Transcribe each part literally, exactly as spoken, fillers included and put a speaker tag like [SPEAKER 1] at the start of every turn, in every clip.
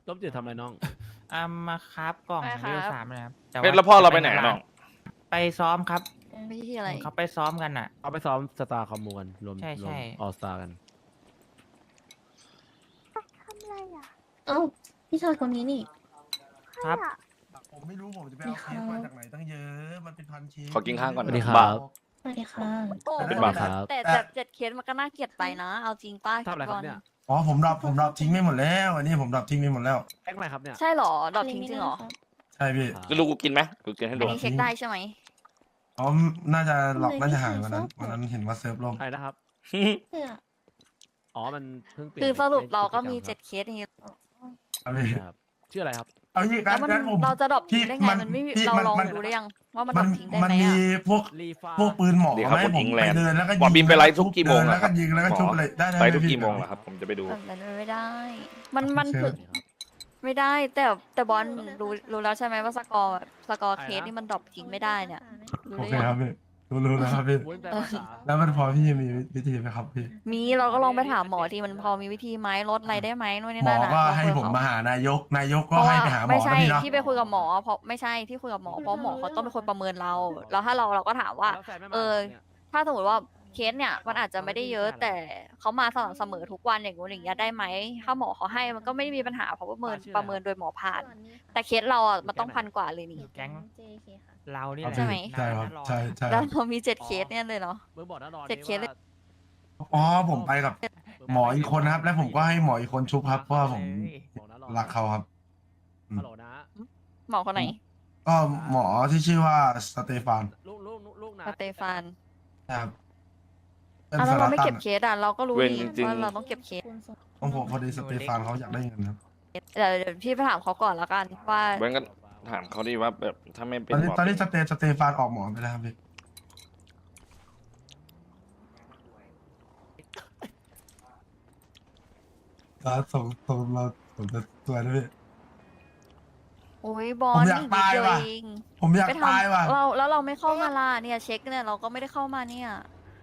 [SPEAKER 1] ต้มจืดทำอะไรน้อง
[SPEAKER 2] อ่ามาครับกล่อง
[SPEAKER 3] ไปค
[SPEAKER 2] เว
[SPEAKER 3] รับ
[SPEAKER 2] ลสามนะครับ
[SPEAKER 4] เฮ้ยแล้วพ่อเราไปไหนอะน้อง
[SPEAKER 2] ไปซ้อมครับ
[SPEAKER 3] ไม่ใช่อะไร
[SPEAKER 2] เขาไปซ้อมกันอ่ะ
[SPEAKER 1] เอาไปซ้อมสตาร์คอมมูกันรวม
[SPEAKER 2] ใช่
[SPEAKER 1] ร
[SPEAKER 2] ใช่
[SPEAKER 1] วมออสตากัน
[SPEAKER 5] ทำอะไรอ่ะ
[SPEAKER 6] เอ้าพี่ชายคนนี้นี่
[SPEAKER 2] ครับ
[SPEAKER 7] ผมไม่รู้ผมจะไปเอาเคสมาจากไหนตั้งเยอะ มันเป็นพันเคส
[SPEAKER 4] ขอกินข้าวก่อน
[SPEAKER 1] สวัสดีค
[SPEAKER 4] บ้า
[SPEAKER 1] รับ
[SPEAKER 6] สวัสดีค่ะ
[SPEAKER 3] โอ้
[SPEAKER 4] เป็น
[SPEAKER 3] โห
[SPEAKER 4] บาป
[SPEAKER 1] ครับ
[SPEAKER 3] แต่แต่เจ็ดเคสมันก็น่าเกลียดไปนะ เอาจริงป้า
[SPEAKER 1] ทำอะไรครับเนี่ย
[SPEAKER 7] อ๋อผมดับผมดับทิ้งไม่หมดแล้ว อันนี้ผมดับทิ้งไม่หมดแล้ว
[SPEAKER 1] แพ็กอะไรครับเนี่ย
[SPEAKER 3] ใช่เหรอ ดอกทิ้งจริงเหรอ
[SPEAKER 7] ใช่พี่
[SPEAKER 4] จะรู้กูกินไหมกูกินให้
[SPEAKER 3] อั
[SPEAKER 4] ดู
[SPEAKER 3] นนี้เช็คได้ใช่ไหม
[SPEAKER 7] อ๋อ น่าจะหลอกน่าจะหายวันนั้น วันนั้นเห็นว่าเซิร์ฟลม
[SPEAKER 1] ใครนะครับ
[SPEAKER 6] เพื่อ
[SPEAKER 1] อ๋อมันเพิ่งเปลี่ยน
[SPEAKER 3] คือสรุป
[SPEAKER 1] ใน
[SPEAKER 3] เราก็มี
[SPEAKER 1] จ
[SPEAKER 3] เจ็ดเคสอย่างงี้
[SPEAKER 7] เอาพี่
[SPEAKER 1] ครับชื่ออะไรครับ
[SPEAKER 7] เอางี้
[SPEAKER 3] แล้
[SPEAKER 7] งั้
[SPEAKER 3] วน มัน
[SPEAKER 7] งั้นผม
[SPEAKER 3] เราจะดรอปทิ้งได้ไง
[SPEAKER 7] พี่
[SPEAKER 3] มันไม่มี
[SPEAKER 7] พี่
[SPEAKER 3] เรา
[SPEAKER 7] มัน
[SPEAKER 3] ลอง
[SPEAKER 7] มัน
[SPEAKER 3] ดูได้ยังว่ามันด
[SPEAKER 7] มั
[SPEAKER 3] รอน ปทิ้งได้
[SPEAKER 7] มัน
[SPEAKER 3] ไหม
[SPEAKER 7] มี
[SPEAKER 3] อ่ะ
[SPEAKER 7] พวก
[SPEAKER 1] รีฟ้า
[SPEAKER 7] พวกปืนหมอ
[SPEAKER 4] ดีครับ
[SPEAKER 7] ไหม
[SPEAKER 4] ผม
[SPEAKER 7] ผ
[SPEAKER 4] ยิ
[SPEAKER 7] ม
[SPEAKER 4] ง
[SPEAKER 7] ไป
[SPEAKER 4] แลนด์
[SPEAKER 7] เดินแล้วก็
[SPEAKER 4] บอ
[SPEAKER 7] ยิ
[SPEAKER 4] กบินไปไลฟ์ทุกกี่โมง
[SPEAKER 7] เดิน
[SPEAKER 4] อะ
[SPEAKER 7] แล้วก็ยิงแล้วก็
[SPEAKER 4] หมอ
[SPEAKER 7] ชุบเลยได้ได้
[SPEAKER 4] ไป
[SPEAKER 7] ด้
[SPEAKER 4] ทุก
[SPEAKER 7] พี่
[SPEAKER 4] กี่โมงเหรอครับ ผมจะไปดู
[SPEAKER 3] แบบนั้นไม่ได้ มันมัน
[SPEAKER 7] โอเค
[SPEAKER 3] คือไม่ได้ แต่แต่บอลรู้รู้แล้วใช่ไหมว่าสกอร์สกอร์เคสนี่มันดรอปทิ้งไม่ได้เนี่ยรู้
[SPEAKER 7] โอ
[SPEAKER 3] ได้
[SPEAKER 7] เค
[SPEAKER 3] ยัง
[SPEAKER 7] ครับพี่รู้รู้แล้วครับพี่
[SPEAKER 1] วุ้นแปลภาษา
[SPEAKER 7] แล้วมันพอพี่มีวิธีไหมครับพี่
[SPEAKER 3] มีเราก็ลองไปถามหมอที่มันพอมีวิธีไหมลดอะไรได้ไหมนู่นนี่
[SPEAKER 7] หมอ
[SPEAKER 3] นั่นอะ
[SPEAKER 7] ก็
[SPEAKER 3] ลอง
[SPEAKER 7] ให้
[SPEAKER 3] คุยกับ
[SPEAKER 7] ผม
[SPEAKER 3] เข
[SPEAKER 7] มาหานายก นายก
[SPEAKER 3] เพ
[SPEAKER 7] ก็
[SPEAKER 3] ราะ
[SPEAKER 7] ให้
[SPEAKER 3] ว่า
[SPEAKER 7] ไปหาหมอ
[SPEAKER 3] ไม่
[SPEAKER 7] นะ
[SPEAKER 3] ใช่
[SPEAKER 7] พี่เนาะ
[SPEAKER 3] ที่ไปคุยกับหมอเพราะไม่ใช่ที่คุยกับหมอเพราะหมอเขาต้องเป็นคนประเมินเรา แล้วถ้าเราเราก็ถามว่า
[SPEAKER 1] แล้วแฟนไม่มา
[SPEAKER 3] เออ
[SPEAKER 1] เนี่ย
[SPEAKER 3] ถ้าสมมติว่าเคสเนี่ยมันอาจจะไม่ได้เยอะ แต่เขามาสม่ำเสมอทุกวันอย่างงู้นอย่างเงี้ยได้ไหมถ้าหมอเขาให้มันก็ไม่ได้มีปัญหาเพราะว่าประเมินประเมินโดยหมอผ่าน แต่เคสเราอ่ะมันต้องพันกว่าเลยนี่
[SPEAKER 2] แก๊ง
[SPEAKER 6] เจเคค่ะ
[SPEAKER 2] เรานี่
[SPEAKER 7] ครับ
[SPEAKER 2] แหละ
[SPEAKER 3] ใช่ไหม
[SPEAKER 7] ใช่ครับ
[SPEAKER 2] นาน
[SPEAKER 7] ใช่ใช่ค
[SPEAKER 3] แล้
[SPEAKER 7] รั
[SPEAKER 3] ว
[SPEAKER 7] บ
[SPEAKER 3] เรามีเจ็ดเคสเนี่ยเลยเนาะ
[SPEAKER 1] มึงบอกนะนอน
[SPEAKER 3] เจ็ดเคสเลย
[SPEAKER 7] อ๋อผมไปกับหมออีกคนนะครับ แล้วผมก็ให้หมออีกคนชุบครับเพราะว่าผม
[SPEAKER 1] บอกนะนอน
[SPEAKER 7] รักเขาครับ
[SPEAKER 1] ฮัลโหลนะ
[SPEAKER 3] หมอคนไหน
[SPEAKER 7] ก็หมอที่ชื่อว่าสเตฟาน
[SPEAKER 1] ลูกลูกลูกนะ
[SPEAKER 3] สเตฟาน
[SPEAKER 7] นะครับเป็น
[SPEAKER 3] อ่ะแล้ว
[SPEAKER 7] สา
[SPEAKER 3] เรา
[SPEAKER 7] ร
[SPEAKER 3] ไม่
[SPEAKER 7] ตั
[SPEAKER 3] เก็
[SPEAKER 7] น
[SPEAKER 3] บเคสอ่ะเราก็รู้
[SPEAKER 4] เว้น
[SPEAKER 3] ดี
[SPEAKER 4] จริงๆ
[SPEAKER 3] ว่าเราต้องเก็บเคส
[SPEAKER 7] ของผมพอดีสเตฟานเขาอยากได้เงินครับ
[SPEAKER 3] เดี๋ยวเดี๋ยวพี่ไปถามเขาก่อนแล้วกันว่า
[SPEAKER 4] เว้นก็ถามเขาดีว่าแบบถ้าไม่เป็น
[SPEAKER 7] ตอนนี้
[SPEAKER 4] หมอ
[SPEAKER 7] ตอนนี้
[SPEAKER 4] เป็
[SPEAKER 7] สเตสเตฟานออกหมอไปแล้วครับพี่แล้วส่งส่งเราผมจะตัวนะพี่
[SPEAKER 3] โอ้ยบอ
[SPEAKER 7] ผ
[SPEAKER 3] ล
[SPEAKER 7] มอยาก
[SPEAKER 3] อีกนิด
[SPEAKER 7] ตาย
[SPEAKER 3] เดียว
[SPEAKER 7] ว่ะ
[SPEAKER 3] เอง
[SPEAKER 7] ผมอยาก
[SPEAKER 3] ไปท
[SPEAKER 7] ตายว่ะ
[SPEAKER 3] ำเราแล้วเราไม่เข้ามาล่ะเนี่ยเช็คเนี่ยเราก็ไม่ได้เข้ามาเนี่ย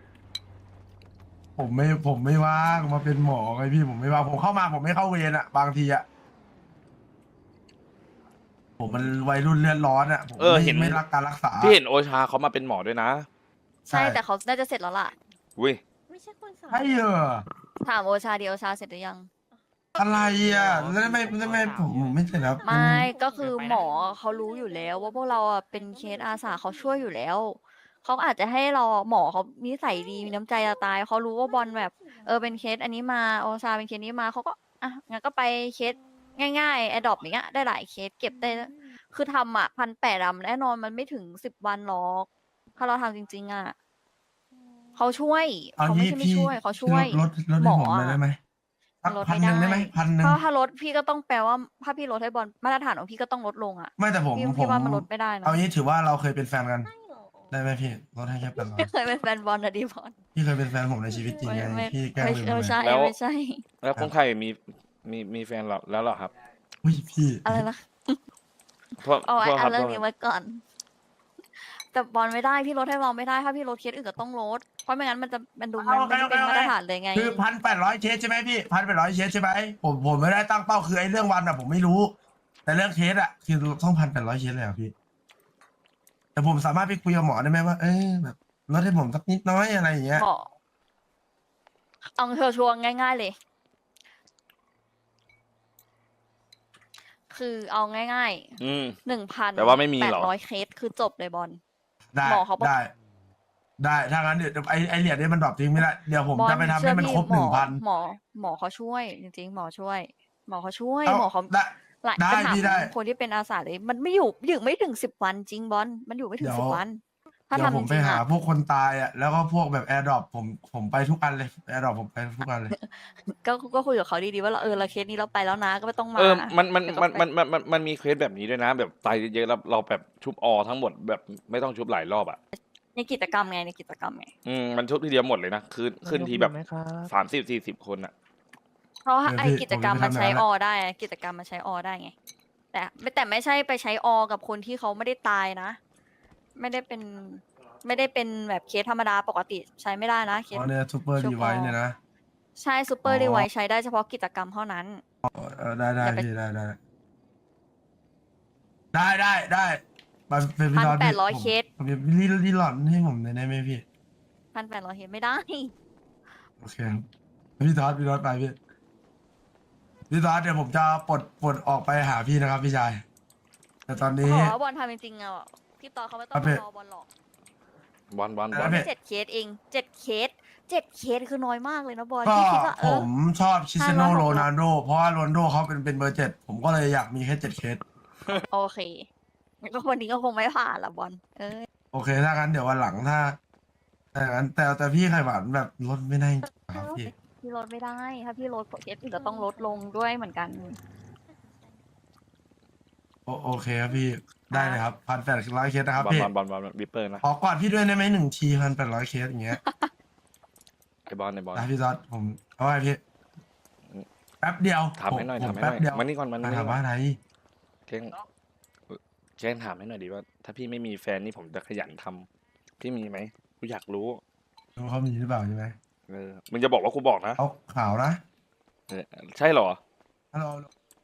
[SPEAKER 7] ผมไม่ผมไม่ว่างมาเป็นหมอไงพี่ผมไม่ว่างผมเข้ามาผมไม่เข้าเวรอะบางทีอะผมมันวัยรุ่นเลือดร้อนอะผม
[SPEAKER 4] เออ
[SPEAKER 7] ไม่
[SPEAKER 4] เห็น
[SPEAKER 7] ไม่รักการรักษา
[SPEAKER 4] พี่เห็นโอชาเขามาเป็นหมอด้วยนะ
[SPEAKER 3] ใช่
[SPEAKER 7] ใช่
[SPEAKER 3] แต่เขาน่าจะเสร็จแล้วล่ะ
[SPEAKER 4] อุ้ย
[SPEAKER 6] ไม่ใช่คนสาว
[SPEAKER 7] ใช่เหรอ
[SPEAKER 3] ถามโอชาดีโอชาเสร็จหรือยัง
[SPEAKER 7] อะไรอะแล้วทำไมทำไมผมผมไม่เสร็จแล้ว
[SPEAKER 3] ไม่ก็คือหมอเขารู้อยู่แล้ว ว่าพวกเราอ่ะเป็นเคสอาสาเขาช่วยอยู่แล้วเขาอาจจะให้เราหมอเขานิสัยดีมีน้ำใจจะตายเขารู้ว่าบอลแบบเออเป็นเคสอันนี้มาโอชาเป็นเคสนี้มาเขาก็อ่ะงั้นก็ไปเคสง่ายๆแอดดอปอย่างเงี้ยได้หลายเคสเก็บได้คือทำอ่ะพันแปดอะแน่นอนมันไม่ถึงสิบวันหรอกถ้าเราทำจริงๆอ่ะเขาช่วย
[SPEAKER 7] เอา
[SPEAKER 3] เขาไม่
[SPEAKER 7] งี้
[SPEAKER 3] ใช่ไม่
[SPEAKER 7] พี่
[SPEAKER 3] ช่วยเขาช่วย
[SPEAKER 7] ลดลด
[SPEAKER 3] หม
[SPEAKER 7] ให้
[SPEAKER 3] อ
[SPEAKER 7] ผมหน่อยได้ไหมสัก
[SPEAKER 3] ลด
[SPEAKER 7] พัน
[SPEAKER 3] ไม่
[SPEAKER 7] หนึ่งได้ไหมพันหนึ่ง
[SPEAKER 3] ถ้าถ้าลดพี่ก็ต้องแปลว่าถ้าพี่ลดให้บอลมาตรฐานของพี่ก็ต้องลดลงอ่ะ
[SPEAKER 7] ไม่แต่ผม
[SPEAKER 3] พี่
[SPEAKER 7] ผ
[SPEAKER 3] พี่
[SPEAKER 7] ม
[SPEAKER 3] ว่ามันลดไม่ได้นะ
[SPEAKER 7] เอางี้ถือว่าเราเคยเป็นแฟนกัน
[SPEAKER 6] ใช่เหรอ
[SPEAKER 7] ได้ไหมพี่ลดให้แค่พันร้อย
[SPEAKER 3] ไม่เคยเป็นแฟนบอลนะดิบอล
[SPEAKER 7] พี่เคยเป็นแฟนผมในชีวิตจริงไง
[SPEAKER 3] ไม่
[SPEAKER 7] พี่แกล้ง
[SPEAKER 3] ไม่
[SPEAKER 7] ลืม
[SPEAKER 3] ไม่
[SPEAKER 7] ไป
[SPEAKER 3] ใช่
[SPEAKER 4] แล้ว
[SPEAKER 3] ไม่ใช่
[SPEAKER 4] แล้วคนไข้มีมีมีแฟนแล้วแล้วเหรอครับ
[SPEAKER 7] อุ้ยพี่
[SPEAKER 3] อะไรนะ
[SPEAKER 4] เพราะ
[SPEAKER 3] เอาไว้
[SPEAKER 4] เพราะค
[SPEAKER 3] เอา
[SPEAKER 4] รับ
[SPEAKER 3] เรื่อง
[SPEAKER 4] เพ
[SPEAKER 3] นี้
[SPEAKER 4] ราะ
[SPEAKER 3] ไว้ก่อน แต่บอลไม่ได้พี่ลดให้บอลไม่ได้ถ้าพี่ลดเคสอื่นก็ต้องลดเพราะไม่งั้นมันจะมันดูมันไม่ได้เป็นมาตรฐานเลยไง
[SPEAKER 7] คือพันแปดร้อยเคสใช่ไหมพี่พันแปดร้อยเคสใช่ไหมผมผมไม่ได้ตั้งเป้าคือไอ้เรื่องวันอะผมไม่รู้ แต่เรื่องเคสอะคือต้องพันแปดร้อยเคสเลยเหรอพี่ แต่ผมสามารถไปคุยกับหมอได้ไหมว่าเออแบบลดให้ผมสักนิดน้อยอะไรอย่างเงี้ย
[SPEAKER 3] หมอเอาเธอชวงง่าย ๆเลย คือเอาง่าย
[SPEAKER 4] อืม
[SPEAKER 3] ๆหนึ่งพัน
[SPEAKER 4] แต่ว่าไม่มี
[SPEAKER 3] แป
[SPEAKER 4] หร
[SPEAKER 3] ด
[SPEAKER 4] อ
[SPEAKER 3] ร้อยเคสคือจบเลยบอล
[SPEAKER 7] ได้
[SPEAKER 3] หมอเขาบอก
[SPEAKER 7] ได้ ได้ถ้างั้นเดี๋ยวไอไอเหรียญนี้มันดรอปทิ้งไม่ได้เดี๋ยวผม
[SPEAKER 3] บอล
[SPEAKER 7] จะไปทำ
[SPEAKER 3] เชื่
[SPEAKER 7] ให้
[SPEAKER 3] อ
[SPEAKER 7] มัน
[SPEAKER 3] พี่
[SPEAKER 7] ครบ
[SPEAKER 3] ห
[SPEAKER 7] ห
[SPEAKER 3] ม
[SPEAKER 7] นึ่
[SPEAKER 3] อง
[SPEAKER 7] พัน
[SPEAKER 3] หมอหมอเขาช่วย จริงๆ หมอช่วย หมอเขาช่วย
[SPEAKER 7] เอ้า
[SPEAKER 3] หมอเขา
[SPEAKER 7] ได้
[SPEAKER 3] หลาย
[SPEAKER 7] ได้
[SPEAKER 3] ไปถาม
[SPEAKER 7] พี่ได้
[SPEAKER 3] คนที่เป็นอาสาเลย มันไม่อยู่อยู่ไม่ถึงสิบวันจริงบอลมันอยู่ไม่ถึง
[SPEAKER 7] เดี๋ยว
[SPEAKER 3] สิบวัน ถ้า
[SPEAKER 7] เดี๋ยว
[SPEAKER 3] ทำ
[SPEAKER 7] ผ
[SPEAKER 3] จ
[SPEAKER 7] มไป
[SPEAKER 3] ริงๆ
[SPEAKER 7] หา
[SPEAKER 3] อะ
[SPEAKER 7] พวกคนตายอ่ะแล้วก็พวกแบบแอร์ดรอปผมผมไปทุกอันเลยแอร์ดรอปผมไปทุกอันเลย
[SPEAKER 3] ก็ก็คุยกับเขาดีๆว่าเราเออเราเคสนี้เราไปแล้วนะก็ไม่ต้องมา
[SPEAKER 4] เออมันมัน
[SPEAKER 3] เดี๋ยวต้
[SPEAKER 4] มั
[SPEAKER 3] อน งไป
[SPEAKER 4] มันมันมันมันมีเคสแบบนี้ด้วยนะ แบบตายเยอะๆแล้วเราแบบชุบออทั้งหมดแบบไม่ต้องชุบหลายรอบอ่ะ
[SPEAKER 3] ในกิจกรรมไงในกิจกรรมไง
[SPEAKER 4] อืมมันชุบทีเดียวหมดเลยนะคืนขึ้นทีแบบสามสิบสี่สิบคนอ่ะ
[SPEAKER 3] เพราะว่า
[SPEAKER 7] เดี๋ยว
[SPEAKER 3] ไอ
[SPEAKER 7] พี่
[SPEAKER 3] กิจกรรม
[SPEAKER 7] ผมจะ
[SPEAKER 3] มันใช้
[SPEAKER 7] ทำงาน
[SPEAKER 3] อ
[SPEAKER 7] แล้ว
[SPEAKER 3] ได้อะกิจกรรมมันใช้อได้ไง แต่ไม่แต่ไม่ใช่ไปใช้อกับคนที่เขาไม่ได้ตายนะ ไม่ได้เป็นไม่ได้เป็นแบบเคสธรรมดาปกติใช้ไม่ได้นะเคส
[SPEAKER 7] อ๋อเนี่ยซูเปอร์
[SPEAKER 3] ชุบ
[SPEAKER 7] ดีไว
[SPEAKER 3] อ
[SPEAKER 7] เนี่ยนะ
[SPEAKER 3] ใช่ซูเปอร์
[SPEAKER 7] อ๋อ
[SPEAKER 3] ดีไวใช้ได้เฉพาะกิจกรรมเท่านั้น
[SPEAKER 7] เออได้ได้
[SPEAKER 3] อย่าไป
[SPEAKER 7] พี่ได้ได้ได้ได้ได้มาเป็นพี่
[SPEAKER 3] พัน
[SPEAKER 7] ตอน
[SPEAKER 3] แป
[SPEAKER 7] พี่
[SPEAKER 3] ดร้อย
[SPEAKER 7] ผม
[SPEAKER 3] เคส
[SPEAKER 7] ผมจะรีรีหลอนให้ผมได้ไหมพี่
[SPEAKER 3] พันแปดร้อยเคสไม่ได้
[SPEAKER 7] โอเคครับพี่ทอดพี่ทอดไปพี่พี่ทอดเดี๋ยวผมจะปลดปลดออกไปหาพี่นะครับพี่ชายแต่ตอนนี้
[SPEAKER 3] ขอว่าบอลทำจริงๆอ่ะพี่ตอนเขาไม่ต้อง
[SPEAKER 7] ครับพี่
[SPEAKER 3] รอบอลหรอก
[SPEAKER 4] บอลบอล
[SPEAKER 7] ค
[SPEAKER 4] บ
[SPEAKER 7] รั
[SPEAKER 4] อบ ล
[SPEAKER 7] พี่
[SPEAKER 3] เจ็ดเคสเองเจ็ดเคสเจ็ดเคสคือน้อยมากเลยนะบอล
[SPEAKER 7] ก็
[SPEAKER 3] พี่คิดว่าเอ
[SPEAKER 7] ผ
[SPEAKER 3] อ
[SPEAKER 7] มชอบชิเซโน
[SPEAKER 3] ห้าร้อยหกร้อย
[SPEAKER 7] โรนัลโดเพราะว่าโรนัลโดเขาเป็นเป็นเบอร์เจ็ดผมก็เลยอยากมีแค่เจ็ดเคส
[SPEAKER 3] โอเคงั้นก็วันนี้ก็คงไม่ผ่านละบอลเออ
[SPEAKER 7] โอเคถ้างั้นเดี๋ยววันหลังถ้าแต่งั้นแต่แต่พี่ไข่หวานแบบลดไม่ได้จริงๆครับพี่
[SPEAKER 3] พี่ลดไม่ได้ ถ้าพี่ลดเคสอื่นก็ต้องลดลงด้วยเหมือนกัน
[SPEAKER 7] โอโอเคครับพี่ได้เลยครับพันแปดร้อยเคสนะครับ
[SPEAKER 4] บอล
[SPEAKER 7] พี่
[SPEAKER 4] บอลบอลบอลวิปเปอร์นะ
[SPEAKER 7] ขอกอดพี่ด้วยได้ไหมหนึ่งทีพันแปดร้อยเคสอย่างเงี้ย
[SPEAKER 4] ไอบอลไอบอล
[SPEAKER 7] นะพี่ซอสผมเอาไว้พี่แป๊บเดียว
[SPEAKER 4] ถามให้หน่อย
[SPEAKER 7] ผ
[SPEAKER 4] ถามให้ห
[SPEAKER 7] แป๊
[SPEAKER 4] น่
[SPEAKER 7] บ
[SPEAKER 4] อย
[SPEAKER 7] เดียว
[SPEAKER 4] มานี่ก่อนมา
[SPEAKER 7] มา
[SPEAKER 4] นี่
[SPEAKER 7] ถาม
[SPEAKER 4] ก่อ
[SPEAKER 7] ว่าน อะไร
[SPEAKER 4] เจ้งเจ้งถามให้หน่อยดิว่า ถ้าพี่ไม่มีแฟนนี่ผมจะขยันทำพี่มีไหมกูอยากรู้
[SPEAKER 7] รู้เขามีหรือเปล่าใช่ไหม
[SPEAKER 4] เออมึงจะบอกว่ากูบอกนะ
[SPEAKER 7] เขาข่าวนะ
[SPEAKER 4] เออใช่เหรอ
[SPEAKER 7] ฮัลโหล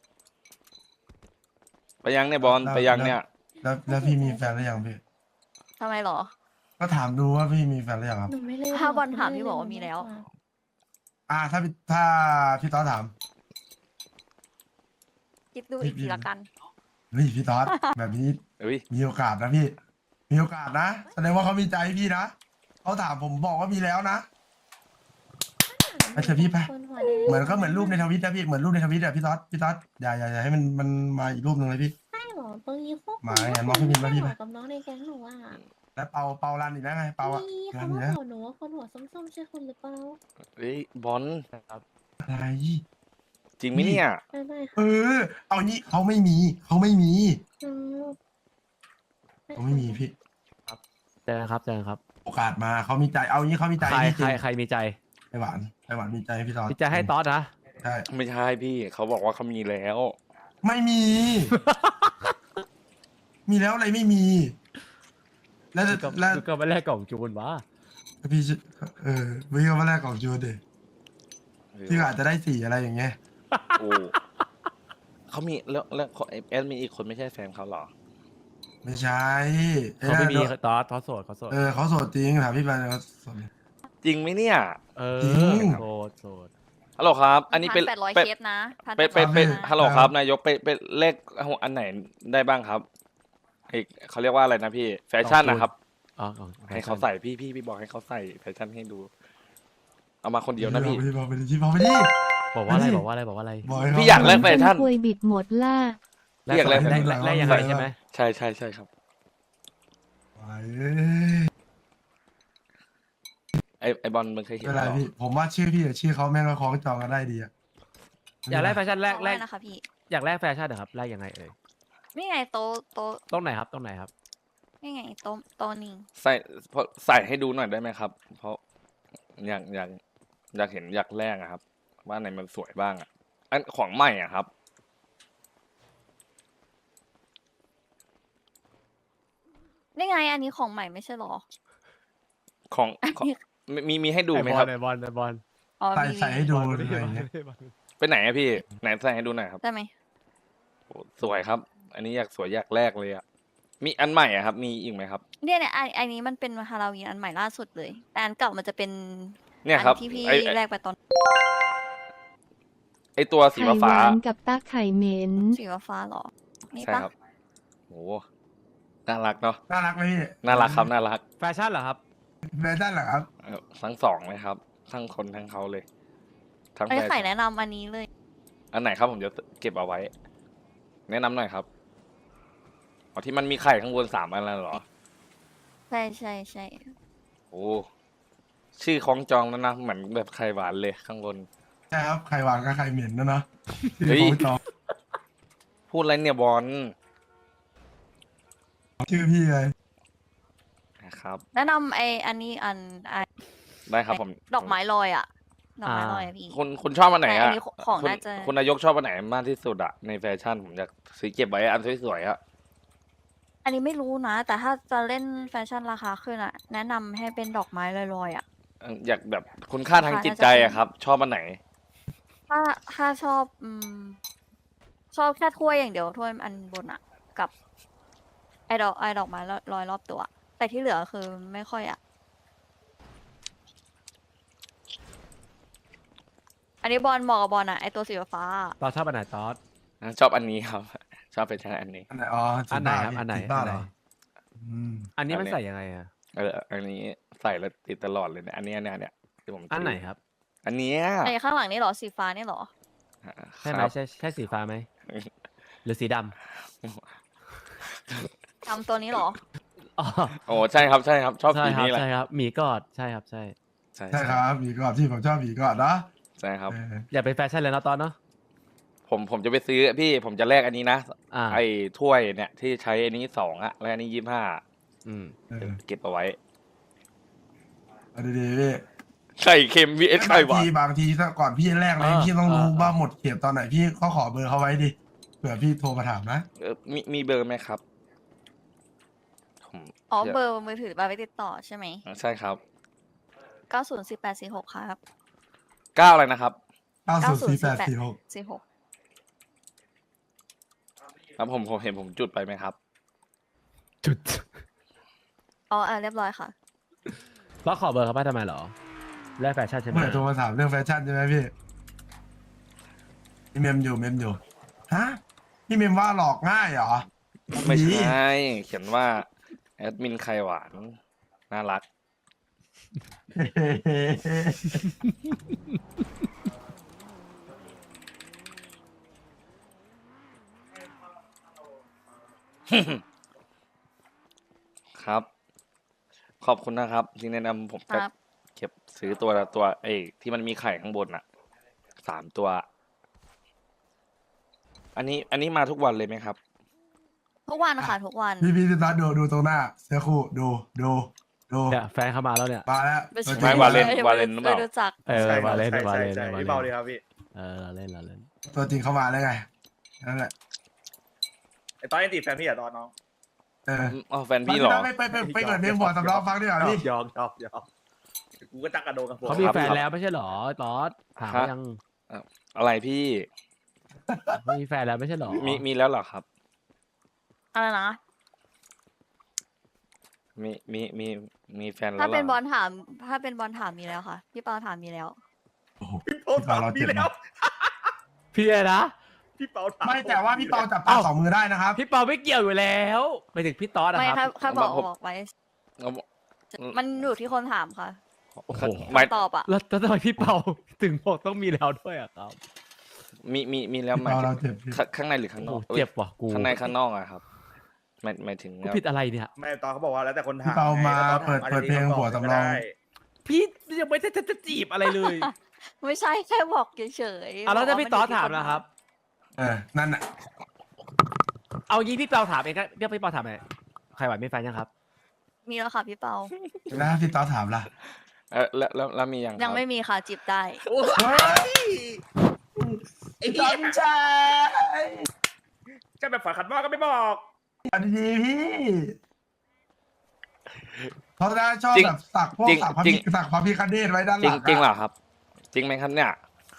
[SPEAKER 4] ไปยังเนี่ยบอล
[SPEAKER 7] แล้ว
[SPEAKER 4] ไปยังเนี่ย
[SPEAKER 7] แล้วแล้วพี่มีแฟนหรือยังพี่
[SPEAKER 3] ทำไมหรอ
[SPEAKER 7] ก็ถามดูว่าพี่มีแฟนหรือยังครับ
[SPEAKER 6] หนูไม่เล่น
[SPEAKER 3] ถ้า
[SPEAKER 6] หร
[SPEAKER 3] บอลถามพี่บอกว่ามีแล้ว
[SPEAKER 7] อ่าถ้าพี่ถ้าพี่ต๊อดถาม
[SPEAKER 3] คิดดูอีกทีละกัน
[SPEAKER 7] เฮ้ยพี่ต๊อด แบบนี้
[SPEAKER 4] เอ้ย
[SPEAKER 7] มีโอกาสนะพี่ มีโอกาสนะแสดงว่าเขามีใจพี่นะเขาถามผมบอกว่ามีแล้วนะ ไปเถอะพี่ไป
[SPEAKER 6] คนหัวแดง
[SPEAKER 7] เหมือนก็เหมือนรูปในทวิตนะพี่เหมือนรูปในทวิตอะพี่ต๊อดพี่ต๊อดอย่าอย่าอย่าให้มันมันมาอีกรูปหนึ่งเลยพี่
[SPEAKER 6] ใช่เหรอตรงนี้พวก
[SPEAKER 7] หมาไงมองพี่พิมพ์มาพี่ไป
[SPEAKER 6] เหมาะกับน้องในแก๊งหนูอ่ะ
[SPEAKER 7] แล้วเปาเปารันอีกแล้วไงเปาอะ
[SPEAKER 6] นี่
[SPEAKER 7] รั
[SPEAKER 6] เขา
[SPEAKER 7] นอี
[SPEAKER 6] มาก
[SPEAKER 7] แล้ว
[SPEAKER 6] บอกหนูว่าคนหัวส้มๆใช่คนหรือเปล่า
[SPEAKER 4] เอ้ยบอล
[SPEAKER 1] ครับ
[SPEAKER 7] อะไร
[SPEAKER 4] จริงไหมเนี่ย
[SPEAKER 6] ไม่ไม่
[SPEAKER 7] เอ
[SPEAKER 6] ค่ะ
[SPEAKER 7] อ เอางี้เขาไม่มีเขาไม่มี
[SPEAKER 6] อืม
[SPEAKER 7] เขาไม่มีพี่
[SPEAKER 1] เจอกันครับเจอกันครับ
[SPEAKER 7] โอกาสมาเขามีใจเอางี้เขามีใจ
[SPEAKER 1] ใคร
[SPEAKER 7] พี่จ
[SPEAKER 1] ใค
[SPEAKER 7] ริ
[SPEAKER 1] รง ใครมีใจ
[SPEAKER 7] ไอหวานไอหวานมีใจให้พี่ต๊อด
[SPEAKER 1] มีใจให้ตอสนะ
[SPEAKER 7] ใช่
[SPEAKER 4] ไม่ใช่พี่เขาบอกว่าเขามีแล้ว
[SPEAKER 7] ไม่มี มีแล้วอะไรไม่มี แล้ว
[SPEAKER 1] ก็
[SPEAKER 7] แล้ว
[SPEAKER 1] ก็ไม่แลกกล่องจูนวะ
[SPEAKER 7] พี่จะเออไม่ก็มาแรกของจูนเดพี่ก็อาจจะได้สี่อะไรอย่างเงี้ย
[SPEAKER 4] โอ้เขามีแล้วแล้วแอดมีอีกคนไม่ใช่แฟนเขาเหรอ
[SPEAKER 7] ไม่ใช่อ้
[SPEAKER 1] เขาไม่มี
[SPEAKER 7] นั่น
[SPEAKER 1] ตอสตอสโสดเขาโสด
[SPEAKER 7] เออเขาโสดจริงถามพี่ไปเขาโสด
[SPEAKER 4] จริงไหมเนี่ย
[SPEAKER 1] เออ
[SPEAKER 7] จริง
[SPEAKER 1] โสดโสด
[SPEAKER 4] ฮัลโหลครับ อันนี้เป็น
[SPEAKER 3] แปดร้อย
[SPEAKER 4] เป็น
[SPEAKER 3] เคสนะพัน
[SPEAKER 4] เป็น
[SPEAKER 3] แป
[SPEAKER 4] เป็น
[SPEAKER 3] ด
[SPEAKER 4] เป็น
[SPEAKER 3] ร้อยนะ
[SPEAKER 4] ฮัลโหลครับนายกเป็นเป็นเลขอันไหนได้บ้างครับไอเขาเรียกว่าอะไรนะพี่ แฟชั่นนะครับ
[SPEAKER 1] อ๋อกล่อง
[SPEAKER 4] ให้เขาใส่พี่พี่พี่บอกให้เขาใส่แฟชั่นให้ดู เอามาคนเดียวนะพี่
[SPEAKER 7] บอกไปดิพี่บอกไปดิ
[SPEAKER 1] บอกว่าอะไร
[SPEAKER 7] ไม่
[SPEAKER 1] บอกว่าอะไรบอกว่าอะไร
[SPEAKER 7] บอกให้เข
[SPEAKER 4] พี่อยากแลกแฟชั่น
[SPEAKER 5] คุยบิดหมดล่ะ
[SPEAKER 1] แลก
[SPEAKER 4] เรียกอะไร
[SPEAKER 1] แลกแลกแลกยังไงใช่ไหม
[SPEAKER 4] ใช่ใช่ใช่ครับ
[SPEAKER 7] ไปเอ้ย
[SPEAKER 4] ไอไอบอลมึงเคยเห็น
[SPEAKER 7] ไม่เป็นไร
[SPEAKER 4] เหรอ
[SPEAKER 7] พี่ ผมว่าชื่อพี่กับชื่อเขาแม่งก็คล้องจองกันได้ดีอะ
[SPEAKER 1] อยากแลกแฟชั่นแลกแลก
[SPEAKER 3] นะคะพี่
[SPEAKER 1] อยากแลกแฟชั่นเหรอครับแลกยังไงเอ่ย
[SPEAKER 3] นี่ไงโตะโตะ
[SPEAKER 1] ตรงไหนครับตรงไหนครับ
[SPEAKER 3] นี่ไงโตะโตะนี่
[SPEAKER 4] ใส่เพราะใส่ให้ดูหน่อยได้ไหมครับ เพราะอยากอยากอยากเห็นอยากแรกอะครับ ว่าไหนมันสวยบ้างอะอันของใหม่อะครับ
[SPEAKER 3] นี่ไงอันนี้ของใหม่ไม่ใช่หรอ
[SPEAKER 4] ของ
[SPEAKER 3] อัน
[SPEAKER 4] ของ
[SPEAKER 3] นี้
[SPEAKER 4] มีมีมีให้ดูไหม
[SPEAKER 1] ไอบอ
[SPEAKER 4] ครั
[SPEAKER 1] ล
[SPEAKER 4] บ
[SPEAKER 1] ไอบอลไอบอล
[SPEAKER 3] อ๋อ
[SPEAKER 7] ใส่
[SPEAKER 3] มี
[SPEAKER 7] ใส่ให้ดู
[SPEAKER 1] บอล
[SPEAKER 7] อะไร
[SPEAKER 1] ไม่
[SPEAKER 7] อย่างเงี้ย
[SPEAKER 1] ใช่บอล
[SPEAKER 4] ไปไหนอะพี่ไหนใส่ให้ดูหน่อยครับ
[SPEAKER 3] ได้ไหม
[SPEAKER 4] โอ้สวยครับ อันนี้อยากสวยอยากแรกเลยอะมีอันใหม่อะครับ มีอีกไหมครับ
[SPEAKER 3] เนี่ยเนี่ยอันอันนี้มันเป็นฮาโลวีนอันใหม่ล่าสุดเลย แต่อันเก่ามันจะเป็น
[SPEAKER 4] เนี่ย
[SPEAKER 3] อั
[SPEAKER 4] ครับ
[SPEAKER 3] ที่พี่
[SPEAKER 4] ไอไอ้
[SPEAKER 3] แรกไปตอน
[SPEAKER 4] ไอตัวสี
[SPEAKER 5] ไข่ห
[SPEAKER 4] ฟ้าว
[SPEAKER 5] านกับตาไข่เหม็น
[SPEAKER 3] สีฟ้าๆหรอ
[SPEAKER 4] ๆ
[SPEAKER 3] นี่
[SPEAKER 4] ใช่
[SPEAKER 3] ปะ
[SPEAKER 4] ครับโหน่ารักเนาะ
[SPEAKER 7] น่ารักไหมพี่
[SPEAKER 4] น่ารักครับน่ารัก
[SPEAKER 1] แฟชั่นเหรอครับ
[SPEAKER 7] แฟชั่นเหรอครับ
[SPEAKER 4] เอ่อทั้งสองเลยครับ ทั้งคนทั้งเขาเลย ทั้ง
[SPEAKER 3] อัน
[SPEAKER 4] แฟ
[SPEAKER 3] นี้ไข่
[SPEAKER 4] ชั่น
[SPEAKER 3] แนะนำอันนี้เลย
[SPEAKER 4] อันไหนครับผมจะเก็บเอาไว้ แนะนำหน่อยครับอ๋อที่มันมีไข่ข้างบนสามอันแล้วเหรอ
[SPEAKER 3] ใช่ใช่ใช่
[SPEAKER 4] โอ้ชื่อคล้องจองแล้วนะเหมือนแบบไข่หวานเลยข้างบน
[SPEAKER 7] ใช่ครับไข่หวานกับไข่เหม็นนะเนาะ
[SPEAKER 4] เฮ้ย
[SPEAKER 7] ชื่อของจอง
[SPEAKER 4] พูดอะไรเนี่ยบอล
[SPEAKER 7] ชื่อพี่ไง
[SPEAKER 4] นะครับ
[SPEAKER 3] แนะนำไออันนี้อันไอ
[SPEAKER 4] ได้ครับผม
[SPEAKER 3] ดอกไม้ลอยอ่ะ ดอกไม้ลอยอะพี่
[SPEAKER 4] คุณคุณชอบอันไหน
[SPEAKER 3] แต่อั
[SPEAKER 4] อะ
[SPEAKER 3] นนี้ของ
[SPEAKER 4] คุณ
[SPEAKER 3] น่าจะ
[SPEAKER 4] คุณนายกชอบอันไหนมากที่สุดอะในแฟชั่นผมอยากซื้อเก็บไว้อันสวยๆอะ
[SPEAKER 3] อันนี้ไม่รู้นะ แต่ถ้าจะเล่นแฟชั่นราคาขึ้นอ่ะ แนะนำให้เป็นดอกไม้ลอยๆอ่ะ
[SPEAKER 4] อยากแบบคุณค่าทางจิตใจอะครับ ชอบอันไหน
[SPEAKER 3] ถ้าถ้าชอบ อืม ชอบแค่ถ้วยอย่างเดียวถ้วยอันบนอะกับ ไอดอกไอดอกไม้ลอยรอบตัว แต่ที่เหลือคือไม่ค่อยอะอันนี้บอลเหมาะกับบอลอะไอตัวสีฟ้าอะ
[SPEAKER 1] ตอสชอบอันไหนตอส
[SPEAKER 4] ชอบอันนี้ครับ ชอบเป็นชาอันนี้
[SPEAKER 7] อันไหนอ๋อ
[SPEAKER 1] อันไหนครับ
[SPEAKER 7] จี
[SPEAKER 1] อันไหน
[SPEAKER 7] จีบ้า
[SPEAKER 1] อัน
[SPEAKER 7] เห
[SPEAKER 1] ไห
[SPEAKER 7] ร
[SPEAKER 1] น
[SPEAKER 7] ออืม
[SPEAKER 1] อันนี้มัน
[SPEAKER 4] อันนี้
[SPEAKER 1] ใส่ยังไงอะ
[SPEAKER 4] เอออันนี้ใส่แล้วติดตลอดเลยเนี่ยอันนี้อันเนี้ยเนี่ยที่ผม
[SPEAKER 1] อันไหนครับ
[SPEAKER 4] อันเนี้ย
[SPEAKER 3] ไอข้างหลังนี่เหรอสีฟ้านี่เหรอ
[SPEAKER 1] ใช่ไหม
[SPEAKER 4] ครับ
[SPEAKER 1] ใช่ใช่สีฟ้าไหมหรือสีด
[SPEAKER 3] ทำตัวนี้เหรอ
[SPEAKER 1] ำอ๋อ
[SPEAKER 4] โอ้ใช่ครับใช่ครับ ชอบ
[SPEAKER 1] ใช่
[SPEAKER 4] สี
[SPEAKER 1] ครับ
[SPEAKER 4] นี้แหละ
[SPEAKER 1] ใช่ครับหมีกอดใช่ครับใช่
[SPEAKER 4] ใช่
[SPEAKER 7] ใช่ครับผีกอดที่ผมชอบผีกอดนะ
[SPEAKER 4] ใช่ครับ
[SPEAKER 7] เออ
[SPEAKER 1] อย่าเป็นแฟชั่นเลยนะตอนเนาะ
[SPEAKER 4] ผมผมจะไปซื้อพี่ผมจะแลกอันนี้นะ
[SPEAKER 1] อ่า
[SPEAKER 4] ไอ้ถ้วยเนี่ยที่ใช้อันนี้สองอะแล้วอันนี้ยี่ห้า
[SPEAKER 1] อืม
[SPEAKER 7] เออ
[SPEAKER 4] เก็บเอาไว้
[SPEAKER 7] เอาดีๆพี่
[SPEAKER 4] ไข่เค็ม วี เอส ไข่หวา
[SPEAKER 7] บาง
[SPEAKER 4] น
[SPEAKER 7] ทีบางทีถ้าก่อนพี่แรกเลย
[SPEAKER 1] อ่า
[SPEAKER 7] พี่ต้องรู้
[SPEAKER 1] อ่า
[SPEAKER 7] ว่าหมดเขตตอนไหนพี่ก็ขอเบอร์เขาไว้ดิเผื่อพี่โทรมาถามนะ
[SPEAKER 4] เออมีมีเบอร์ไหมครับผม
[SPEAKER 3] อ๋อ
[SPEAKER 4] ดี๋ยว
[SPEAKER 3] เบอร์มือถือมาไปติดต่อใช่ไหม
[SPEAKER 4] ใช่ครับ
[SPEAKER 3] เก้าศูนย์สี่แปดสี่หกครับ
[SPEAKER 4] เก้าอะไรนะครับ
[SPEAKER 7] เก้าศูนย์สี่แปดสี่หก
[SPEAKER 3] สี่หก
[SPEAKER 4] ครับผมผมเห็นผมจุดไปไหมครับ
[SPEAKER 1] จุด
[SPEAKER 3] อ๋ออ่าเรียบร้อยค่ะ
[SPEAKER 1] แล้วขอเบอร์เขาไปทำไมเหรอแลกแฟชั่นใช่ไหม
[SPEAKER 7] เมื่อโทรมาถามเรื่องแฟชั่นใช่ไหมพี่พี่เมมอยู่เมมอยู่ฮะพี่เมมว่าหลอกง่ายเหรอ
[SPEAKER 4] ไม่ใช
[SPEAKER 7] ดี
[SPEAKER 4] ่ เขียนว่าแอดมินไข่หวานน่ารัก ครับ ขอบคุณนะครับ ที่แนะนำผม
[SPEAKER 3] ค
[SPEAKER 4] จะ
[SPEAKER 3] รับ
[SPEAKER 4] เก็บซื้อตัวละตัวเอ้ยที่มันมีไข่ข้างบนอ่ะสามตัว อันนี้ อันนี้มาทุกวันเลยไหมครับ
[SPEAKER 3] ทุกวันค่ะทุกวัน
[SPEAKER 7] พี่พี่ตาดูดูตรงหน้าเสื้อคู่ดูดูดู
[SPEAKER 1] เนี่ยแฟนเข้ามาแล้วเนี่ย
[SPEAKER 7] มาแล้ว
[SPEAKER 3] ไม่ใช่
[SPEAKER 4] ไม่วาเลน
[SPEAKER 3] ไม่
[SPEAKER 4] วาเลนหรือเปล่า
[SPEAKER 3] ไม่รู้จัก
[SPEAKER 1] เออ
[SPEAKER 8] ใช่ครับ
[SPEAKER 1] วาเลน
[SPEAKER 8] ใช่
[SPEAKER 1] วาเลน
[SPEAKER 8] ใช่
[SPEAKER 1] วาเล
[SPEAKER 8] พี่
[SPEAKER 1] น
[SPEAKER 8] เบาดีครับพี่
[SPEAKER 1] เออเราเล่นเราเล่น
[SPEAKER 7] ตัวจริงเข้ามาแล้วไงนั่นแหละ
[SPEAKER 8] ไอตอนยังติดแฟนพี่อะตอนน้อง
[SPEAKER 7] เออ
[SPEAKER 4] อ๋อแฟนพี่เหรอ
[SPEAKER 7] ไปไปไปไปเปิดเพลงหัวสำรองฟังดีกว่าพี่
[SPEAKER 8] ยอมยอมยอมกูก็จักกระโดดกับผม
[SPEAKER 1] เขามี
[SPEAKER 4] ครับ
[SPEAKER 1] แฟนแล้วไม่ใช่เหรอตอสถาม
[SPEAKER 4] ฮะ
[SPEAKER 1] ยัง
[SPEAKER 4] อะไรพี่
[SPEAKER 1] เขามีแฟนแล้วไม่ใช่เหรอ
[SPEAKER 4] มีมีแล้วเหรอครับ
[SPEAKER 3] อะไรนะ
[SPEAKER 4] มีมีมีมีแฟนแล้ว
[SPEAKER 3] ถ้า
[SPEAKER 4] หรอ
[SPEAKER 3] เป็นบอลถาม ถ้าเป็นบอลถามมีแล้วค่ะ พี่เปาถามมีแล้ว
[SPEAKER 7] โอ้โห
[SPEAKER 8] พี่เปาถามพี่แล้ว
[SPEAKER 1] พี่อะไรนะ
[SPEAKER 8] พี่เปาถาม
[SPEAKER 7] ไม่แต่ว่าพี่เปาจับปลาสองมือได้นะครับ
[SPEAKER 1] พี่เปาไม่เกี่ยวอยู่แล้วไปถึงพี่ตอสนะ
[SPEAKER 3] ไม่
[SPEAKER 1] ค
[SPEAKER 3] ค่ะ
[SPEAKER 1] รับ
[SPEAKER 3] ค่ะบอก
[SPEAKER 4] ผม
[SPEAKER 3] บอกไว้
[SPEAKER 4] เอา
[SPEAKER 3] มันอยู่ที่คนถามค่ะ
[SPEAKER 1] โอ้โห
[SPEAKER 4] หมาย
[SPEAKER 3] ตอบอะ
[SPEAKER 1] แล้วแล้วทำไมพี่เปาถึงบอกต้องมีแล้วด้วยอะครับ
[SPEAKER 4] มีมีมีแล้วหมาย
[SPEAKER 7] เรา
[SPEAKER 4] ถึ
[SPEAKER 7] เรา
[SPEAKER 4] ง
[SPEAKER 7] เจ็บพี่
[SPEAKER 4] ข้างข้างในหรือข้างน
[SPEAKER 1] โอ้
[SPEAKER 4] อก
[SPEAKER 1] โหเจ็บว่ะกู
[SPEAKER 4] ข้างในข้างนอกอะครับหมายหมายถึง
[SPEAKER 1] กูผิดอะไรเนี่ย
[SPEAKER 8] ไม่ตอนเขาบอกว่าแล้วแต่คนถาม
[SPEAKER 7] พี่เปามา
[SPEAKER 8] ไงแล้วตอน
[SPEAKER 7] เปิด
[SPEAKER 8] ถ
[SPEAKER 7] เปิดเพลงหัวสำรอง
[SPEAKER 8] ได้
[SPEAKER 1] พี่ยังไม่ได้จะจะจีบอะไรเลย
[SPEAKER 3] ไม่ใช่แค่บอกเฉยๆ
[SPEAKER 1] อ่ะแล้วถ้า
[SPEAKER 3] บก
[SPEAKER 1] พี่
[SPEAKER 3] น
[SPEAKER 1] ตอส
[SPEAKER 3] ยู่ที่
[SPEAKER 1] ถาม
[SPEAKER 3] น
[SPEAKER 1] นะครับ
[SPEAKER 7] เออนั่นน่ะ
[SPEAKER 1] เอางี้พี่เปาถามเองก็เดี๋ยวพี่เปาถามไหนใครหวานไม่แฟนยังครับ
[SPEAKER 3] มีแล้วค่ะพี่เปา
[SPEAKER 7] แล้วถ้าพี่ต๊อดถามล่ะ
[SPEAKER 4] เออแล้วแล้วแล้วมียัง
[SPEAKER 3] ยัง
[SPEAKER 4] ครับ
[SPEAKER 3] ไม่มีค่ะจีบได้
[SPEAKER 7] เฮ้ย
[SPEAKER 8] ไอ้เหี้ย
[SPEAKER 7] จำใจ
[SPEAKER 8] จะแบบฝันขัดหม้อก็ไม่บอก
[SPEAKER 7] อันดีๆพี่เขาจะชอบแบบสักพวกสักพระพิสักพระพิคเนตไว้ด้านห
[SPEAKER 4] จริ
[SPEAKER 7] ลั
[SPEAKER 4] ง
[SPEAKER 7] ง
[SPEAKER 4] จริงเหรอครับ จริงไหมครับเนี่ย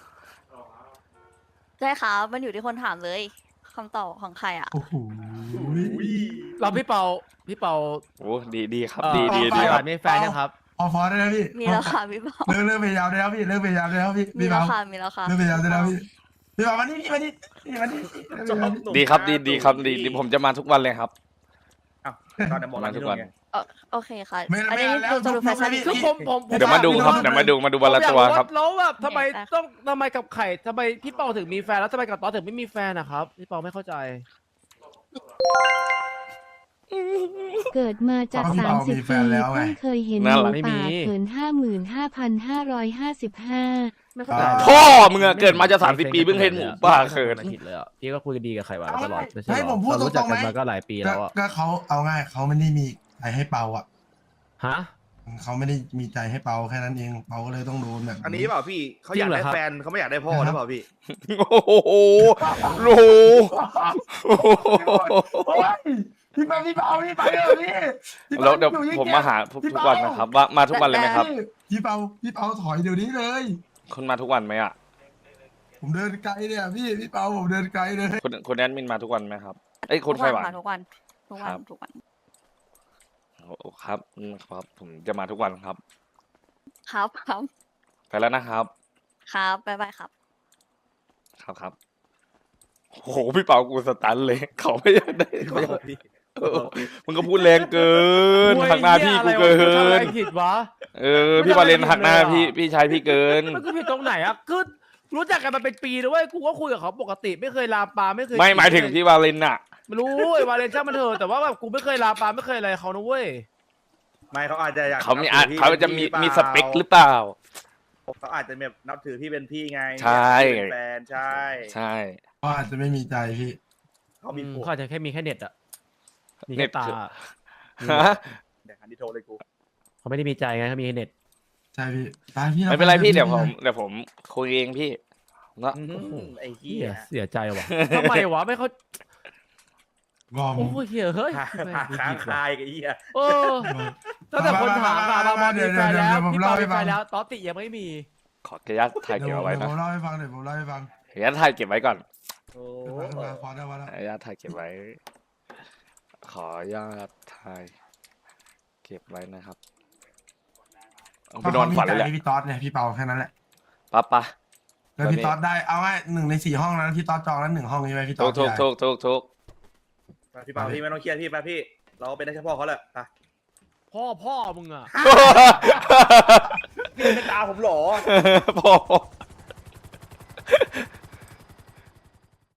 [SPEAKER 3] ใช่ค่ะมันอยู่ที่คนถามเลยคำตอบของใครอ่ะ
[SPEAKER 7] โอ้โห
[SPEAKER 1] เราพี่เปาพี่เปา
[SPEAKER 4] โอ้ดีดีครับ
[SPEAKER 1] เอ่อ
[SPEAKER 4] ดีดี
[SPEAKER 1] ใคร
[SPEAKER 4] ดี
[SPEAKER 1] ห
[SPEAKER 4] ครั
[SPEAKER 1] วา
[SPEAKER 4] บ
[SPEAKER 1] นไม่แฟนยังครับ
[SPEAKER 7] ออฟอร์ได้แล้วพี่
[SPEAKER 3] มีแล้วค่ะพี่เปา
[SPEAKER 7] เลิกเลิกพยายามได้แล้วพี่เลิกพยายามได้แล้วพี่
[SPEAKER 3] มี
[SPEAKER 7] พี่
[SPEAKER 3] แล้ว
[SPEAKER 7] เปา
[SPEAKER 3] ค่ะมีแล้วค่ะ
[SPEAKER 7] เลิกพยายามได้แล้วพี่พี่เปาวันนี้พี่วันนี้พี่วันนี้
[SPEAKER 8] ชอบหนุ่ม
[SPEAKER 4] ดีครับ ดี
[SPEAKER 8] หน้า
[SPEAKER 4] ดีครับ
[SPEAKER 8] ตุ๋ย
[SPEAKER 4] ดีดีผมจะมาทุกวันเลยครับ
[SPEAKER 8] อ้าวตอนนี้บอก
[SPEAKER 4] มา
[SPEAKER 8] มา
[SPEAKER 4] ทุ
[SPEAKER 8] ทุ
[SPEAKER 4] ก
[SPEAKER 8] ก
[SPEAKER 4] วั
[SPEAKER 8] วัน น
[SPEAKER 3] เออโอเคค่ะ
[SPEAKER 7] ไม่
[SPEAKER 3] อัน
[SPEAKER 7] ไม่
[SPEAKER 3] นี้
[SPEAKER 7] แล้ว
[SPEAKER 3] ดูจะดูแฟชั่น
[SPEAKER 7] พี่
[SPEAKER 1] คือผมผมผม
[SPEAKER 4] เดี๋ยวมาดูครับ เดี๋ยวมาดูมาดูวันละตัวครับ
[SPEAKER 1] แล้วแบบทำไม
[SPEAKER 3] ได้ค่ะ
[SPEAKER 1] ต้องทำไมกับไข่ทำไมพี่เปาถึงมีแฟนแล้วทำไมกับตอสถึงไม่มีแฟนนะครับพี่เปาไม่เข้าใจ
[SPEAKER 5] เกิดมาจาก
[SPEAKER 7] พี่
[SPEAKER 5] สา
[SPEAKER 7] เปาม
[SPEAKER 5] สิบ
[SPEAKER 7] มีแฟ
[SPEAKER 5] ปี
[SPEAKER 7] นแล้วไง
[SPEAKER 5] เพิ่งเคยเห็นห
[SPEAKER 4] น่า
[SPEAKER 5] มู
[SPEAKER 4] รัก
[SPEAKER 1] ไม่มี
[SPEAKER 5] ป่าเขินห้าหมื่นห้าพันห้าร้อยห้าสิบห้า
[SPEAKER 1] ไม่เข้าใจ
[SPEAKER 4] พ่อมึงอะเกิดมาจะสามสิบปีเพิ่งเห็นหมูป่าเขิน
[SPEAKER 1] ไม่ผิดเลยอ่ะพี่ก็คุยกันดีกับไข่หวานมาตลอดไม่ใช่
[SPEAKER 7] ให้
[SPEAKER 1] หรอ
[SPEAKER 7] ผมพูด
[SPEAKER 1] เรารู้จัก
[SPEAKER 7] ตรงๆ
[SPEAKER 1] กัน
[SPEAKER 7] ไหม
[SPEAKER 1] มาก็หลายปี
[SPEAKER 7] ก็
[SPEAKER 1] แล้วอ่ะ
[SPEAKER 7] ก็เขาเอาง่ายเขาไม่ได้มีใจให้เปาอ่ะ
[SPEAKER 1] ฮะ
[SPEAKER 7] เขาไม่ได้มีใจให้เปาแค่นั้นเองเปาก็เลยต้องโดนแบบ
[SPEAKER 8] อันนี้เปล่าพี่เขาอยากได้แฟนเขาไม่อยากได้พ่อหรือเปล่าพี่
[SPEAKER 4] โอ้โหโอ้โห
[SPEAKER 7] โอ้ยพี่เปาพี่เปาพี่ไปเลยพี่พี่
[SPEAKER 4] แล้วเดี๋ยว
[SPEAKER 7] อาง
[SPEAKER 4] ผมมาหาทุกทุกวันนะครับ ว่ามาทุกวันเลยไหมครับ
[SPEAKER 7] พี่เปาพี่เปาถอยเดี๋ยวนี้เลย
[SPEAKER 4] คุณมาทุกวันไหมอ่ะ
[SPEAKER 7] ผผมเดินไกลเนี่ยพี่พี่เปาผมเดินไกลเลย
[SPEAKER 4] คุณคุณแอดมินมาทุกวันไหมครับเอ้ยคุณ
[SPEAKER 3] ทุก
[SPEAKER 4] ไฟ
[SPEAKER 3] วัน
[SPEAKER 4] หวาน
[SPEAKER 3] ค่ะทุกวันทุกวั
[SPEAKER 4] คน รับ
[SPEAKER 3] ทุกวัน
[SPEAKER 4] โอ้ครับอืมครับ ผมจะมาทุกวันครับ
[SPEAKER 3] ครับครับ
[SPEAKER 4] ไปแล้วนะครับ
[SPEAKER 3] ครับบ๊ายบายครับ
[SPEAKER 4] ครับครับโอ้โหพี่เปากูสตันเลย เขาไม่อยากได้เขาอยาก
[SPEAKER 8] พี่
[SPEAKER 4] เออมึงก็พูดแรงเกินหักหน้าพี่กูเกิ
[SPEAKER 1] ทำอะไร
[SPEAKER 4] น
[SPEAKER 1] ผิดวะ
[SPEAKER 4] เออพี่วาเลนหักหน้าพี่พี่ชายพี่เกิน
[SPEAKER 1] มันก็ผิดตรงไหนอะคือรู้จักกันมาเป็นปีนะเว้ยกูก็คุยกับเขาปกติไม่เคยลามปามไม่เคย
[SPEAKER 4] ไม่หมายถึงพี่วาเลนอะ
[SPEAKER 1] ไม่รู้ไอ้วาเลนช่างมันเถอะแต่ว่าแบบกูไม่เคยลามปามไม่เคยอะไรเขานะเว้ย
[SPEAKER 8] ไม่เขาอาจจะอยาก
[SPEAKER 4] เขามี
[SPEAKER 8] นั
[SPEAKER 4] อา
[SPEAKER 8] บถือพี่
[SPEAKER 4] เขาจะมี
[SPEAKER 8] ป็น
[SPEAKER 4] มี
[SPEAKER 8] พี่
[SPEAKER 4] สเปคหรือเปล่า
[SPEAKER 8] เขาอาจจะแบบนับถือพี่เป็นพี่ไง
[SPEAKER 4] ใช่
[SPEAKER 8] อยากให้เป็นแฟนใช่
[SPEAKER 4] ใช่
[SPEAKER 7] ก็อาจจะไม่มีใจพี่
[SPEAKER 8] เขามี
[SPEAKER 1] อืม
[SPEAKER 8] ผัว
[SPEAKER 1] เขาอาจจะแค่มีแค่เน็ตอะมี
[SPEAKER 4] เน็
[SPEAKER 1] แค่
[SPEAKER 4] ต
[SPEAKER 1] ตา
[SPEAKER 4] คือ ฮะ
[SPEAKER 8] เดี๋ยวคันที่โทรเลยกู
[SPEAKER 1] เขาไม่ได้มีใจไงเขามีแค่เน็ต
[SPEAKER 7] ใช่พี่ตายพี่
[SPEAKER 4] ไม่เป็นไรพี่เดี๋ยวผมเดี๋ยวผมคุยเองพี่เนาะ
[SPEAKER 8] อื้อหือไอ้เหี้
[SPEAKER 1] เหี้
[SPEAKER 8] ย
[SPEAKER 1] ยเสียใจว่ะทำไมวะไม่เขา
[SPEAKER 7] งอม
[SPEAKER 1] โอ้ยเหี้ยเฮ้ย
[SPEAKER 8] ค้า
[SPEAKER 1] แม่งกู
[SPEAKER 8] ค้าง
[SPEAKER 1] ผิดว่ะ
[SPEAKER 8] คายกับไอ้เหี้ย
[SPEAKER 1] เออตั้งแต่คนถามมาบางบอลมีแฟนแล้ว
[SPEAKER 7] ผม
[SPEAKER 1] พี่
[SPEAKER 7] เล่า
[SPEAKER 1] ปา
[SPEAKER 7] ให้
[SPEAKER 1] มีแฟ
[SPEAKER 7] ฟัง
[SPEAKER 1] นแล้วต๊อตติยังไม่มี
[SPEAKER 4] ขออนุญาตถ่าย
[SPEAKER 7] เดี๋
[SPEAKER 4] เก็
[SPEAKER 7] ย
[SPEAKER 4] บ
[SPEAKER 7] ว
[SPEAKER 4] เอาไว้
[SPEAKER 7] เดี๋ยว
[SPEAKER 4] นะ
[SPEAKER 7] ผมเล่าให้ฟังเดี๋ยวผมเล่าให้ฟัง
[SPEAKER 4] ขออนุญาตถ่ายเก็บไว้ก่อน
[SPEAKER 8] โอ้
[SPEAKER 7] เดี๋ยวมาพอได้พอได้
[SPEAKER 4] ขออนุญาตถ่ายเก็บไว้ ขออนุญาตถ่ายเก็บไว้นะครับเอาไปนอนฝันเลยแหละ
[SPEAKER 7] ถ้าขามีใจพี่ต๊อดเนี่ยพี่เปาแค่นั้นแหละ
[SPEAKER 4] ปั๊บปะ
[SPEAKER 7] แล้วพี่ต๊อดได้เอาไว้หนึ่งในสี่ห้องนั้นพี่ต๊อดจองแล้วหนึ่งห้องใช่ไหมพี่ต๊
[SPEAKER 4] ทุ
[SPEAKER 7] อก ด
[SPEAKER 4] ทุก
[SPEAKER 7] ใหญ่
[SPEAKER 4] ทุกทุกทุก
[SPEAKER 8] ไปพี่เปาพี่ไม่ต้องเครียดพี่ไปพี่ เราเป็นได้แค่พ่อเขาแหละไป
[SPEAKER 1] พ่อพ่อมึงอะ
[SPEAKER 8] พี่เป็นตาผมเหรอ
[SPEAKER 4] พอ